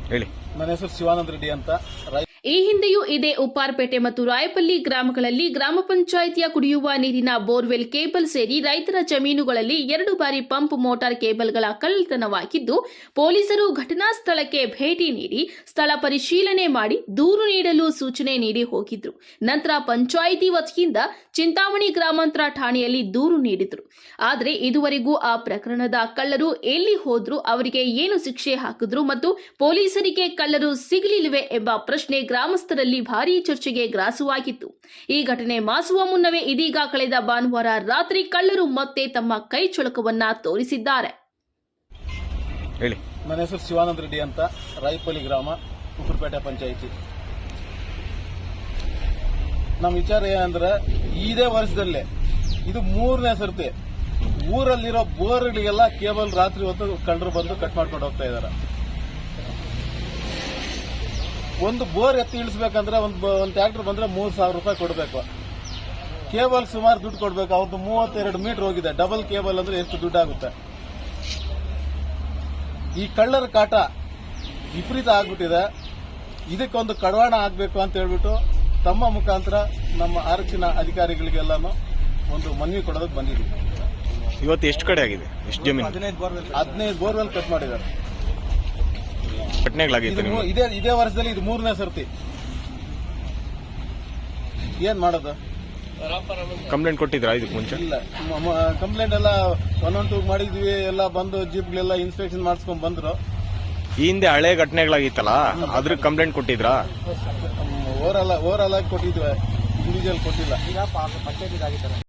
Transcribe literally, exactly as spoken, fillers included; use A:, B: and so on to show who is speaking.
A: ಹೇಳಿ.
B: ನನ್ನ ಹೆಸರು ಶಿವಾನಂದ ರೆಡ್ಡಿ ಅಂತ.
C: ಈ ಹಿಂದೆಯೂ ಇದೇ ಉಪ್ಪಾರಪೇಟೆ ಮತ್ತು ರಾಯಪಲ್ಲಿ ಗ್ರಾಮಗಳಲ್ಲಿ ಗ್ರಾಮ ಪಂಚಾಯಿತಿಯ ಕುಡಿಯುವ ನೀರಿನ ಬೋರ್ವೆಲ್ ಕೇಬಲ್ ಸೇರಿ ರೈತರ ಜಮೀನುಗಳಲ್ಲಿ ಎರಡು ಬಾರಿ ಪಂಪ್ ಮೋಟಾರ್ ಕೇಬಲ್ಗಳ ಕಳ್ಳತನವಾಗಿದ್ದು, ಪೊಲೀಸರು ಘಟನಾ ಸ್ಥಳಕ್ಕೆ ಭೇಟಿ ನೀಡಿ ಸ್ಥಳ ಪರಿಶೀಲನೆ ಮಾಡಿ ದೂರು ನೀಡಲು ಸೂಚನೆ ನೀಡಿ ಹೋಗಿದ್ರು. ನಂತರ ಪಂಚಾಯಿತಿ ವತಿಯಿಂದ ಚಿಂತಾಮಣಿ ಗ್ರಾಮಾಂತರ ಠಾಣೆಯಲ್ಲಿ ದೂರು ನೀಡಿದ್ರು. ಆದರೆ ಇದುವರೆಗೂ ಆ ಪ್ರಕರಣದ ಕಳ್ಳರು ಎಲ್ಲಿ ಹೋದ್ರು, ಅವರಿಗೆ ಏನು ಶಿಕ್ಷೆ ಹಾಕಿದ್ರು ಮತ್ತು ಪೊಲೀಸರಿಗೆ ಕಳ್ಳರು ಸಿಗಲಿಲ್ಲವೇ ಎಂಬ ಪ್ರಶ್ನೆ ಗ್ರಾಮಸ್ಥರಲ್ಲಿ ಭಾರೀ ಚರ್ಚೆಗೆ ಗ್ರಾಸವಾಗಿತ್ತು. ಈ ಘಟನೆ ಮಾಸುವ ಮುನ್ನವೇ ಇದೀಗ ಕಳೆದ ಭಾನುವಾರ ರಾತ್ರಿ ಕಳ್ಳರು ಮತ್ತೆ ತಮ್ಮ ಕೈ ಚಳಕವನ್ನ ತೋರಿಸಿದ್ದಾರೆ.
A: ಹೇಳಿ.
B: ನನ್ನ ಹೆಸರು ಶಿವಾನಂದ ರೆಡ್ಡಿ ಅಂತ, ರಾಯಪಲ್ಲಿ ಗ್ರಾಮ, ಉಪ್ಪಾರಪೇಟೆ ಪಂಚಾಯಿತಿ. ನಮ್ಮ ವಿಚಾರ ಏನಂದ್ರೆ, ಇದೇ ವರ್ಷದಲ್ಲೇ ಇದು ಮೂರನೇ ಸರ್ತಿ ಊರಲ್ಲಿರೋ ಬೋರ್ಗಳಿಗೆಲ್ಲ ಕೇಬಲ್ ರಾತ್ರಿ ಹೊತ್ತು ಕಳ್ಳರು ಬಂದು ಕಟ್ ಮಾಡ್ಕೊಂಡು ಹೋಗ್ತಾ ಇದ್ದಾರೆ. ಒಂದು ಬೋರ್ ಎತ್ತಿ ಇಳಿಸಬೇಕಂದ್ರೆ ಒಂದು ಒಂದು ಟ್ರ್ಯಾಕ್ಟರ್ ಬಂದ್ರೆ ಮೂರು ಸಾವಿರ ರೂಪಾಯಿ ಕೊಡಬೇಕು. ಕೇಬಲ್ ಸುಮಾರು ದುಡ್ಡು ಕೊಡಬೇಕು. ಅವ್ರದ್ದು ಮೂವತ್ತೆರಡು ಮೀಟರ್ ಹೋಗಿದೆ. ಡಬಲ್ ಕೇಬಲ್ ಅಂದ್ರೆ ಎಷ್ಟು ದುಡ್ಡು ಆಗುತ್ತೆ? ಈ ಕಳ್ಳರ ಕಾಟ ವಿಪರೀತ ಆಗ್ಬಿಟ್ಟಿದೆ. ಇದಕ್ಕೊಂದು ಕಡಿವಾಣ ಆಗಬೇಕು ಅಂತ ಹೇಳ್ಬಿಟ್ಟು ತಮ್ಮ ಮುಖಾಂತರ ನಮ್ಮ ಆರಕ್ಷಣಾ ಅಧಿಕಾರಿಗಳಿಗೆಲ್ಲಾನು ಒಂದು ಮನವಿ ಕೊಡೋದಕ್ಕೆ ಬಂದಿದ್ದೀವಿ.
A: ಇವತ್ತು ಎಷ್ಟು ಕಡೆ ಆಗಿದೆ? ಎಷ್ಟು ಜಮೀನು?
B: ಹದಿನೈದು ಬೋರ್ವೆಲ್ ಕಟ್ ಮಾಡಿದ್ದಾರೆ.
A: ಘಟನೆಗಳಾಗಿತ್ತು
B: ಇದು ಇದೇ ಇದೇ ವರ್ಷದಲ್ಲಿ ಇದು ಮೂರನೇ ಸರ್ತಿ. ಏನ್ ಮಾಡೋದು?
A: ಕಂಪ್ಲೇಂಟ್ ಕೊಟ್ಟಿದ್ರಾ ಇದಕ್ಕೆ ಮುಂಚೆ?
B: ಇಲ್ಲ, ಕಂಪ್ಲೇಂಟ್ ಎಲ್ಲ ಒನ್ ಒನ್ ಟೂ ಮಾಡಿದ್ವಿ. ಎಲ್ಲ ಬಂದು ಜೀಪ್ಗಳೆಲ್ಲ ಇನ್ಸ್ಪೆಕ್ಷನ್ ಮಾಡಿಸ್ಕೊಂಡ್ ಬಂದ್ರು.
A: ಈ ಹಿಂದೆ ಹಳೆ ಘಟನೆಗಳಾಗಿತ್ತಲ್ಲ, ಅದ್ರ ಕಂಪ್ಲೇಂಟ್ ಕೊಟ್ಟಿದ್ರಾ?
B: ಓವರ್ ಆಲ್ ಓವರ್ ಆಲ್ ಆಗಿ ಕೊಟ್ಟಿದ್ವಿ, ಇಂಡಿವಿಜುವಲ್ ಕೊಟ್ಟಿಲ್ಲ. ಈಗ ಪಂಚಾಯತ್